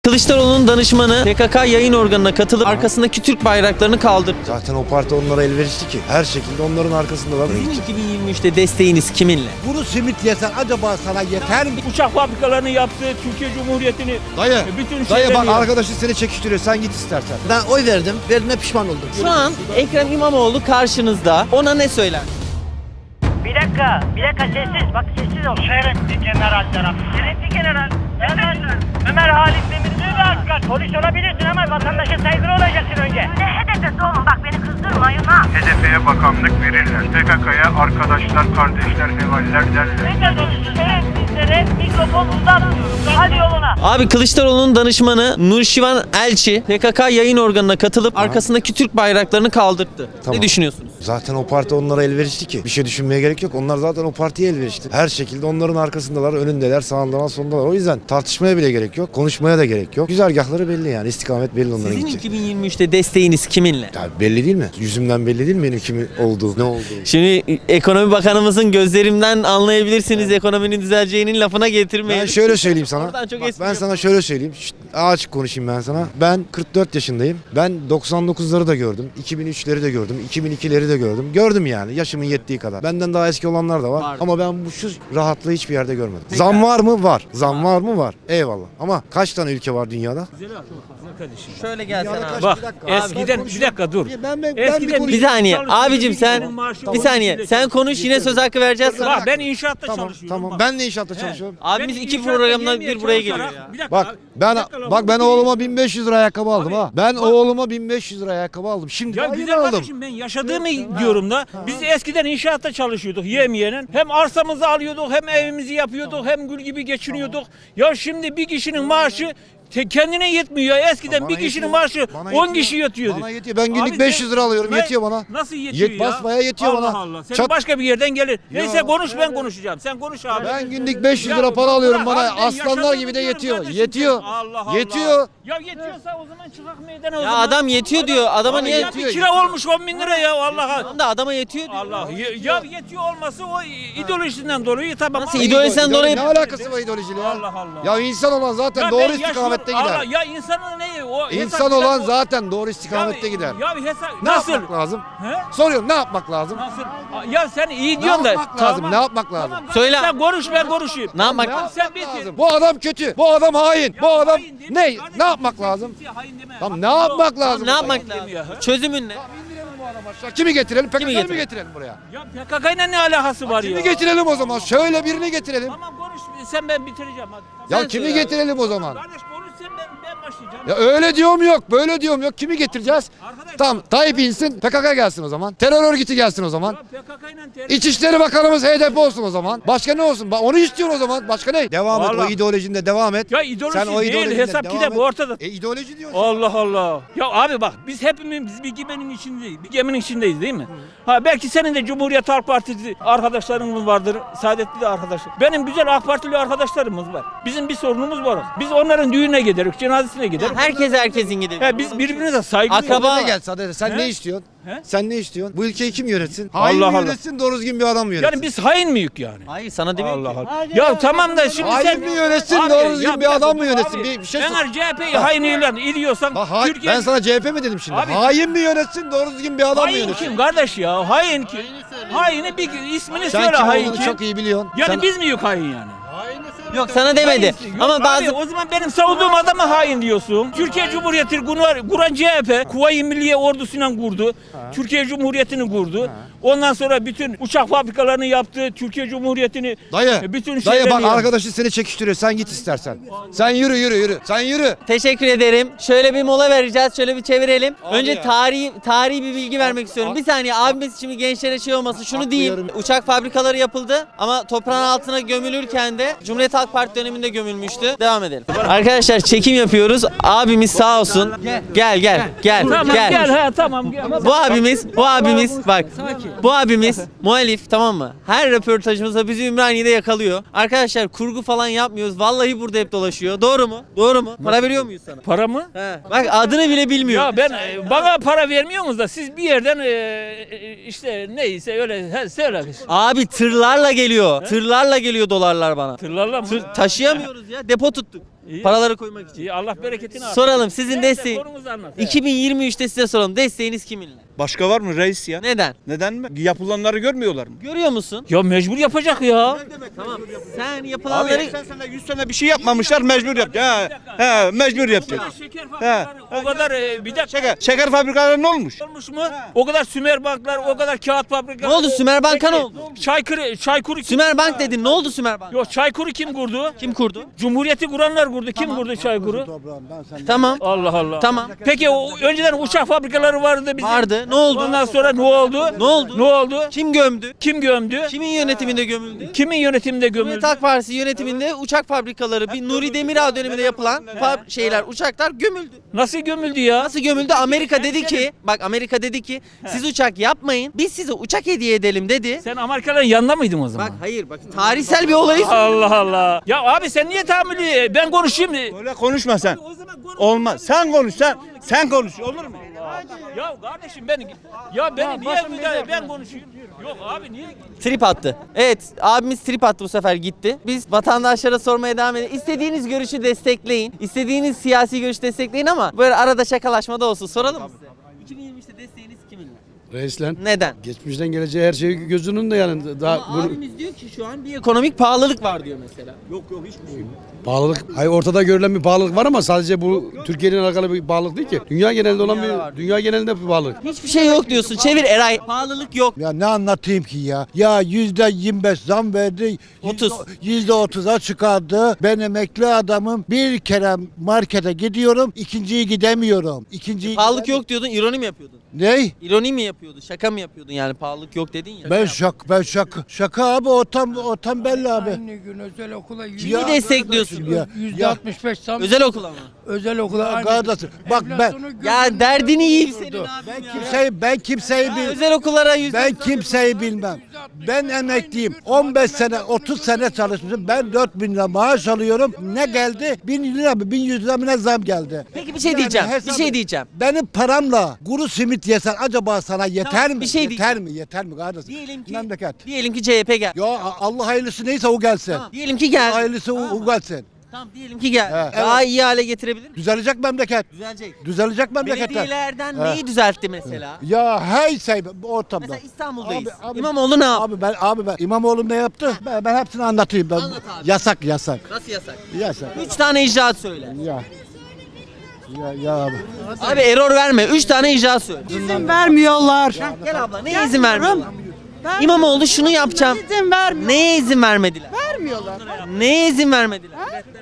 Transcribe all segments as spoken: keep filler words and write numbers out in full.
Kılıçdaroğlu'nun danışmanı P K K yayın organına katılıp arkasındaki Türk bayraklarını kaldırdı. Zaten o parti onlara elverişli ki. Her şekilde onların arkasındalar. Sizin iki bin yirmi üçte desteğiniz kiminle? Bunu simit yesen acaba sana yeter mi? Uçak fabrikalarını yaptı, Türkiye Cumhuriyeti'ni, Dayı, bütün dayı şeyleri bak yaptı. arkadaşın seni çekiştiriyor. Sen git istersen. Ben oy verdim, verdiğime pişman oldum. Şu an Ekrem İmamoğlu karşınızda. Ona ne söyler? Bir dakika, bir dakika sessiz. Bak sessiz ol. Şerefli general taraf. Şerefli general. Ömer, Ömer Halit Demir. Polis olabilirsin ama vatandaşa saygılı olacaksın önce. Ne hedefesi oğlum? Bak beni kızdırma Yuna. H D P'ye bakanlık verirler. P K K'ya arkadaşlar, kardeşler, hevaller derler. Ne konuşuyorsun? Sizlere mikrofon uzatmıyoruz. Hadi yoluna. Abi Kılıçdaroğlu'nun danışmanı Nurşivan Elçi P K K yayın organına katılıp arkasındaki Türk bayraklarını kaldırdı. Tamam. Ne düşünüyorsunuz? Zaten o parti onlara elverişli ki. Bir şey düşünmeye gerek yok. Onlar zaten o partiye elverişli. Her şekilde onların arkasındalar, önündeler, sağındalar, sonundalar. O yüzden tartışmaya bile gerek yok. Konuşmaya da gerek yok. Güzergahları belli yani. İstikamet belli onların Sizin gidecek. iki bin yirmi üçte desteğiniz kiminle? Ya belli değil mi? Yüzümden belli değil mi benim kimin olduğu, ne olduğu? Şimdi Ekonomi Bakanımızın gözlerimden anlayabilirsiniz ekonominin düzeleceğinin lafına getirmeyin. Ben şöyle söyleyeyim sana. Oradan çok Bak, espri ben sana şöyle söyleyeyim. Şşt, açık konuşayım ben sana. Ben kırk dört yaşındayım. Ben doksan dokuzları da gördüm. iki bin üçleri de gördüm. iki bin ikileri de gördüm. Gördüm yani yaşımın yettiği kadar. Benden daha eski olanlar da var. Var. Ama ben bu şu rahatlığı hiçbir yerde görmedim. Zam var mı? Var. Zam var mı? Var. Eyvallah. Ama kaç tane ülke var dünyada? Şöyle gelsen abi. Bak Bir dakika. eskiden Abi, bir dakika dur. Ben, ben, Eskiden Bir saniye. çalışıyorduk, Abicim sen bizim maaşı bir saniye. on Sen konuş yine söz hakkı vereceğiz sana. Bak ben inşaatta Tamam, çalışıyorum. tamam. bak. Ben de inşaatta çalışıyorum. Abimiz Ben iki inşaatta programdan yemeğe bir buraya geliyor çalışarak- ya. Bir dakika Bak abi, ben bir dakika lan, bak ben bu oğluma bin beş yüz lira ayakkabı aldım Abi, ha. Ben bak- oğluma bin beş yüz lira ayakkabı aldım. Şimdi Ya daha yeni güzel aldım. kardeşim ben yaşadığımı diyorum da biz eskiden inşaatta çalışıyorduk yemeyenin. Hem arsamızı alıyorduk hem evimizi yapıyorduk hem gül gibi geçiniyorduk. Ya şimdi bir kişinin maaşı te- kendine yetmiyor. Ya eskiden Bana bir kişinin yetiyor. maaşı Bana on yetiyor. kişi yatıyordu. Bana yetiyor. Ben günlük Abi beş yüz lira alıyorum. ben- Yetiyor bana. Nasıl yetiyor Yet- ya? basmaya yetiyor Allah bana. Allah. Senin Çat- başka bir yerden gelir. Neyse Ya, konuş ben konuşacağım. Sen konuş abi. Ben günlük beş yüz Ya lira para bırak alıyorum abi, bana. ben Aslanlar yaşadığımı gibi de diyorum yetiyor. kardeşim. Yetiyor. Allah Allah. Yetiyor. Ya yetiyorsa o zaman çıkak meydana o Ya zaman. adam yetiyor diyor. Adama Abi niye Ya yetiyor, bir kira olmuş on bin lira ya Allah'a. Tamam da adama yetiyor diyor. Allah ya, ya yetiyor olması o ideolojisinden dolayı tamam. Nasıl ama- ideolojisinden İdole- dolayı- Ne alakası var ideolojiyle ya? Allah Allah. Ya insan olan zaten Ya doğru ben istikamette yaşıyorum. gider. Allah, ya insanın neyi o? İnsan hesap- olan o- zaten doğru Ya- istikamette gider. Ya bir hesap Ne nasıl? yapmak lazım? He? Soruyorum ne yapmak lazım? Nasıl? Ya sen iyi Ne diyorsun da. yapmak lazım? Ne yapmak lazım? Tamam, Söyle. Sen konuş ben konuşayım. Ne yapmak Ne lazım? Sen yapmak bitir. lazım? Bu adam kötü. Bu adam hain. Bu adam Hain değil mi? ne? Kardeşim, Ne yapmak kimse lazım? kimseye hain deme. Tamam ne Hakkı yapmak yok. lazım? Ne yapmak Demiyor lazım? ya. Çözümün ne? İndirelim bu adamı aşağı. Kimi getirelim? P K K'yı mı getirelim? getirelim buraya? Ya P K K ile ne alakası var ya? Kimi getirelim o zaman? Şöyle birini getirelim. Tamam konuş sen ben bitireceğim hadi. Ya Sen kimi söyle abi. getirelim o zaman? Kardeş konuş sen ben, ben başlayacağım. Ya öyle diyorum yok, böyle diyorum yok. Kimi getireceğiz? Arkadaş- Tamam, Tayyip insin, P K K gelsin o zaman. Terör örgütü gelsin o zaman. Ya P K K ile ter- İçişleri Bakanımız H D P olsun o zaman. Başka ne olsun? Ba- Onu istiyorsun o zaman. Başka ne? Devam et. O Vallahi- ideolojinde devam et. Ya ideoloji Sen o değil, ideolojinde hesap devam kitap et. ortada. E ideoloji diyorsun. Allah Allah. Ya abi bak biz hepimiz biz bir geminin içindeyiz. Bir geminin içindeyiz değil mi? Ha belki senin de Cumhuriyet Halk Partisi arkadaşlarımız vardır. Saadetli de arkadaşlar. Benim güzel AK Partili arkadaşlarımız var. Bizim bir sorunumuz var. Biz onların düğününe gideriz, cenazesine gideriz. Herkes herkesin gidiyor. Ya biz birbirimize saygı Akraba- duyuyoruz. Ne gel Saadet'e? Sen He? ne istiyorsun? He? Sen ne istiyorsun? Bu ülkeyi kim yönetsin? Allah Hain mi Allah. yönetsin, doğru düzgün bir adam mı yönetsin? Yani biz hain miyiz yani? Hayır sana demiyorum Allah ki. Allah. Ya tamam da şimdi Hain sen mi yönetsin, Abi, doğru ya düzgün bir dakika, adam mı dur yönetsin? abi. Bir, bir şey sor. Eğer C H P'yi hain ilan ediyorsan Bak, hain- Türkiye ben sana C H P mi dedim şimdi? Abi- Hain mi yönetsin, doğru düzgün bir adam mı hain yönetsin? kim kardeş ya? Hain kim? Haini bir ismini Sen söyle kim hain olduğunu kim? çok iyi biliyorsun. Yani Sen- biz mi yok hain yani? Yok sana demedi. Yok Ama abi, bazı o zaman benim savunduğum adama hain diyorsun. Türkiye Cumhuriyeti kuran, kuran C H P Kuvayi Milliye ordusuyla kurdu. Türkiye Cumhuriyeti'ni kurdu. Ondan sonra bütün uçak fabrikalarını yaptı. Türkiye Cumhuriyeti'ni Dayı, e, bütün dayı şeyleri bak yaptı. arkadaşın seni çekiştiriyor. Sen git istersen. Sen yürü yürü yürü. Sen yürü. teşekkür ederim. Şöyle bir mola vereceğiz. Şöyle bir çevirelim. Önce ya. tarihi tarihi bir bilgi vermek istiyorum. Bir saniye abimiz şimdi gençlere şey olmasın. Şunu Haklı diyeyim. yarım- Uçak fabrikaları yapıldı ama toprağın altına gömülürken de Cumhuriyet Halk Parti döneminde gömülmüştü. Devam edelim. Arkadaşlar çekim yapıyoruz. Abimiz sağ olsun. Gel gel gel Tamam gel. gel, ha tamam gel. Bu abimiz, bu abimiz bak. Bu abimiz muhalif, tamam mı? Her röportajımızda bizi Ümraniye'de yakalıyor. Arkadaşlar kurgu falan yapmıyoruz. Vallahi burada hep dolaşıyor. Doğru mu? Doğru mu? Para veriyor muyuz sana? Para mı? He. Bak adını bile bilmiyor. Ya ben e, bana para vermiyorsunuz da siz bir yerden e, e, işte neyse öyle he, söyle. Abi tırlarla geliyor. Tırlarla geliyor dolarlar bana. Tırlarla mı? Tır taşıyamıyoruz ya. Depo tuttuk. İyi. Paraları koymak için. İyi, Allah bereketini artırsın. Soralım sizin Neyse, desteğin. sorunuzu anlat. iki bin yirmi üçte size soralım. Desteğiniz kiminle? Başka var mı reis ya? Neden? Neden mi? Yapılanları görmüyorlar mı? Görüyor musun? Ya mecbur yapacak ya. Tamam. Sen Abi yapılanları seksen sene yüz sene bir şey yapmamışlar mecbur yapacak. He, he mecbur yapacak. Şeker fabrikaları o kadar e, bir dakika Şeker, şeker fabrikaları ne olmuş? olmuş mu? O kadar Sümer banklar, o kadar kağıt fabrikaları. Ne oldu? Sümer Bank'a ne oldu? Çaykırı, Çaykur'u kim? Sümer Bank dedin. Ne oldu Sümer Bank? Yok, Çaykur'u kim kurdu? Kim kurdu? Cumhuriyeti kuranlar kurdu. Kim kurdu Çaykur'u? Tamam. Allah Allah. Tamam. Peki o önceden uçak fabrikaları vardı bizim. Vardı. Ne oldu? Ondan sonra ne oldu? Ne oldu? Ne oldu? Kim gömdü? Kim gömdü? Kimin yönetiminde gömüldü? Kimin yönetiminde gömüldü? Cumhuriyet Halk Partisi yönetiminde uçak fabrikaları, bir Nuri Demirağ döneminde yapılan fab- şeyler, uçaklar gömüldü. Nasıl gömüldü ya? Nasıl gömüldü? Amerika dedi ki, bak Amerika dedi ki siz uçak yapmayın, biz size uçak hediye edelim dedi. Sen Amerikalıların yanında mıydın o zaman? Bak hayır bak tarihsel bir olayı Allah Allah. Ya abi sen niye tahammülü? Ben konuşayım. Öyle konuşma sen. O zaman konuş. Olmaz. Sen konuş sen. Sen konuş olur mu? Ya kardeşim ben ya beni niye müdahale ben konuşayım? Yok abi niye? trip attı. Evet abimiz trip attı bu sefer gitti. Biz vatandaşlara sormaya devam edelim. İstediğiniz görüşü destekleyin. İstediğiniz siyasi görüşü destekleyin ama böyle arada şakalaşma da olsun. Soralım mı size? iki bin yirmi üçte desteğiniz kiminle? Reisler. Neden? Geçmişten geleceğe her şey gözünün de yanında. Daha Ama bunu, abimiz diyor ki şu an bir ekonomik pahalılık var diyor mesela. pahalılık, hayır ortada görülen bir pahalılık var ama sadece bu Türkiye'nin alakalı bir pahalılık değil ki. Dünya genelinde olan Dünyada var. bir, dünya genelinde bir pahalılık. Hiçbir şey yok diyorsun. Çevir Eray. Pahalılık yok. Ya ne anlatayım ki ya? Ya yüzde yirmi beş zam verdi. otuz. Yüzde otuza çıkardı. Ben emekli adamım. Bir kere markete gidiyorum. ikinciyi gidemiyorum. İkinciyi Pahalılık gidemiyorum. yok diyordun, ironi mi yapıyordun? Ney? İroni mi yapıyordun? Şaka mı yapıyordun yani pahalılık yok dedin ya. Ben şak, ben şaka. Şaka abi o tam, o tam belli abi. Aynı gün özel okula Kimi Ya destekliyorsun? Ya, yüzde ya, altmış beş zam. Özel okula mı? Özel okula aynı. kardeşim, bak ben- Enflasyonu Ya gözümüzde derdini yiyeyim durdu. senin ben abim ya. kimseyi ben kimseyi Ya bil. özel okullara yüzde Ben kimseyi bilmem. Ben emekliyim. on beş sene, otuz sene çalışmışım. Ben dört bin lira maaş alıyorum. Ne geldi? bin lira mı? bin yüz lira mı ne zam geldi? Peki bir şey Yani diyeceğim. Bir hesabı- şey diyeceğim. Benim paramla kuru simit yesen acaba sana yeter Tamam, mi? bir şey yeter diyeceğim. mi? Yeter mi kardeşim? Diyelim ki Memleket. diyelim ki C H P gel. Ya Allah hayırlısı neyse o gelsin. Tamam. Diyelim ki gel. Hayırlısı o, o gelsin. Tamam diyelim ki gel. He, Daha iyi hale getirebilir mi? Düzelecek memleket. Düzelecek. Düzelecek memleketler. Belediyelerden He. neyi düzeltti mesela? Ya hey şey ortamda. Mesela İstanbul'dayız. Abi, abi- İmamoğlu ne yaptı? Abi ben abi ben İmamoğlu ne yaptı? Ben, ben hepsini anlatayım. Ben, Anlat abi. Yasak yasak. Nasıl yasak? Yasak. Üç tane icraat söyle. Ya. Ya ya abi. Abi error verme. Üç tane icraat söyle. İzin vermiyorlar. Gel abla. Neye izin vermiyorlar? İmamoğlu şunu yapacağım. İzin vermiyor. Neye izin vermediler? Vermiyorlar. Neye izin vermediler?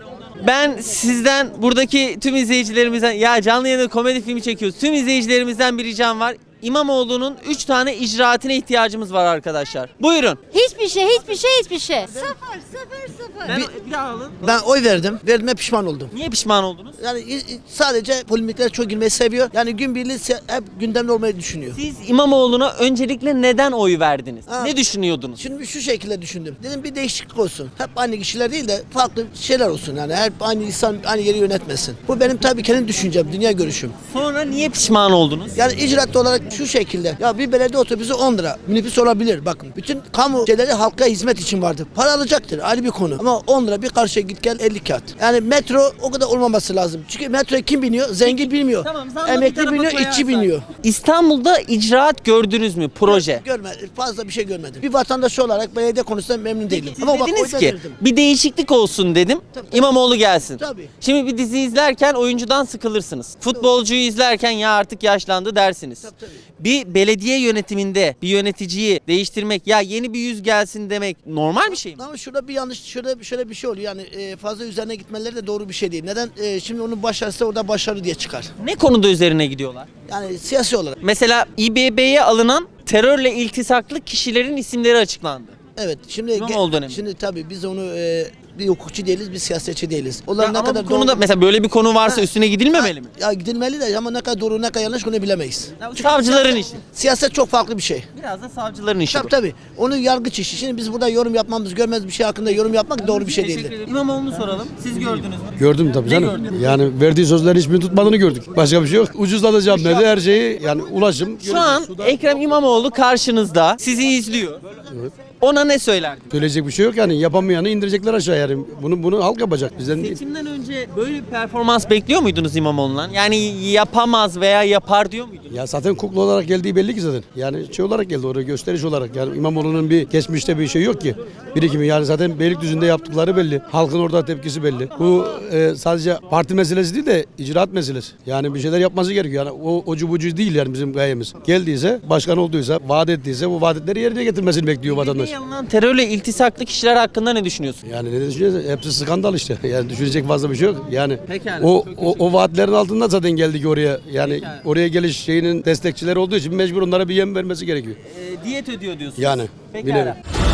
Ben sizden buradaki tüm izleyicilerimizden ya canlı yayında komedi filmi çekiyoruz. Tüm izleyicilerimizden bir ricam var. İmamoğlu'nun üç tane icraatine ihtiyacımız var arkadaşlar. Buyurun. Hiçbir şey, hiçbir şey, hiçbir şey. Sıfır, sıfır, sıfır. Ben, bir daha alın. Ben oy verdim. Verdiğime pişman oldum. Niye pişman oldunuz? Yani i- i- sadece polemiklere çok girmeyi seviyor. Yani gün birliği se- hep gündemde olmayı düşünüyor. Siz İmamoğlu'na öncelikle neden oy verdiniz? Ha. Ne düşünüyordunuz? Şimdi şu şekilde düşündüm. Dedim bir değişiklik olsun. Hep aynı kişiler değil de farklı şeyler olsun yani. Hep aynı insan aynı yeri yönetmesin. Bu benim tabii kendi düşüncem, dünya görüşüm. Sonra niye pişman oldunuz? Yani icraat olarak şu şekilde. Ya bir belediye otobüsü on lira. Minibüs olabilir. Bakın bütün kamu şeyleri halka hizmet için vardır. Para alacaktır. Ayrı bir konu. Ama on lira bir karşıya git gel elli kağıt. Yani metro o kadar olmaması lazım. Çünkü metroya kim biniyor? Zengin bilmiyor. Tamam, zammı bir Emekli tarafa biniyor, koyarsak. işçi biniyor. İstanbul'da icraat gördünüz mü? Proje. Görmedim. Fazla bir şey görmedim. Bir vatandaş olarak belediye konusunda memnun değilim. Siz Ama bak dediniz oy ki verdim. bir değişiklik olsun dedim. Tabii, tabii. İmamoğlu gelsin. Tabii. Şimdi bir dizi izlerken oyuncudan sıkılırsınız. Futbolcuyu izlerken ya artık yaşlandı dersiniz. Tabii, tabii. Bir belediye yönetiminde bir yöneticiyi değiştirmek ya yeni bir yüz gelsin demek normal bir şey mi? Ama şurada bir yanlış, şurada şöyle bir şey oluyor. Yani e, fazla üzerine gitmeleri de doğru bir şey değil. Neden? E, şimdi onun başarısı orada başarı diye çıkar. Ne konuda üzerine gidiyorlar? Yani siyasi olarak. Mesela İ B B'ye alınan terörle iltisaklı kişilerin isimleri açıklandı. Evet. Şimdi İmamoğlu dönemi. Şimdi tabii biz onu e, bir hukukçu değiliz, bir siyasetçi değiliz. Ya Onlar ne ama kadar bu konuda doğru- mesela böyle bir konu varsa Ha. üstüne gidilmemeli mi? Ya gidilmeli de ama ne kadar doğru ne kadar yanlış onu bilemeyiz. Ya savcıların işi. Siyaset çok farklı bir şey. Biraz da savcıların işi. Tabii bu. tabii. Onun yargıç işi. Şimdi biz burada yorum yapmamız, görmez bir şey hakkında yorum yapmak doğru bir şey Teşekkür değildir. ederim. İmamoğlu'nu soralım. Siz gördünüz mü? Gördüm tabii canım. Yani verdiği sözlerin hiçbirini tutmadığını gördük. Başka bir şey yok. Ucuzlatacağım dedi her şeyi. Yani ulaşım. Şu an Ekrem İmamoğlu karşınızda sizi izliyor. Ona ne söylerdin? Söyleyecek bir şey yok yani. Yapamayanı indirecekler aşağı yani. Bunu bunu halk yapacak. Bizden değil. Seçimden önce böyle bir performans bekliyor muydunuz İmamoğlu'ndan? Yani yapamaz veya yapar diyor muydunuz? Ya zaten kukla olarak geldiği belli ki zaten. Yani şey olarak geldi oraya, gösteriş olarak. Yani İmamoğlu'nun bir geçmişte bir şey yok ki. Birikimi yani zaten Beylikdüzü'nde yaptıkları belli. Halkın orada tepkisi belli. Bu e, sadece parti meselesi değil de icraat meselesi. Yani bir şeyler yapması gerekiyor. Yani o ocu bucu değil yani bizim gayemiz. Geldiyse, başkan olduysa, vaat ettiyse bu vaatleri yerine getirmesini bekliyor vatandaş. Yalan terörle iltisaklı kişiler hakkında ne düşünüyorsun? Yani ne düşünüyorsun? Hepsi skandal işte. Yani düşünecek fazla bir şey yok. Yani Pekala, o, çok o, o vaatlerin altında zaten geldik oraya. Yani Pekala. oraya geliş şeyinin destekçileri olduğu için mecbur onlara bir yem vermesi gerekiyor. Ee, diyet ödüyor diyorsunuz. Yani, Pekala. bilelim.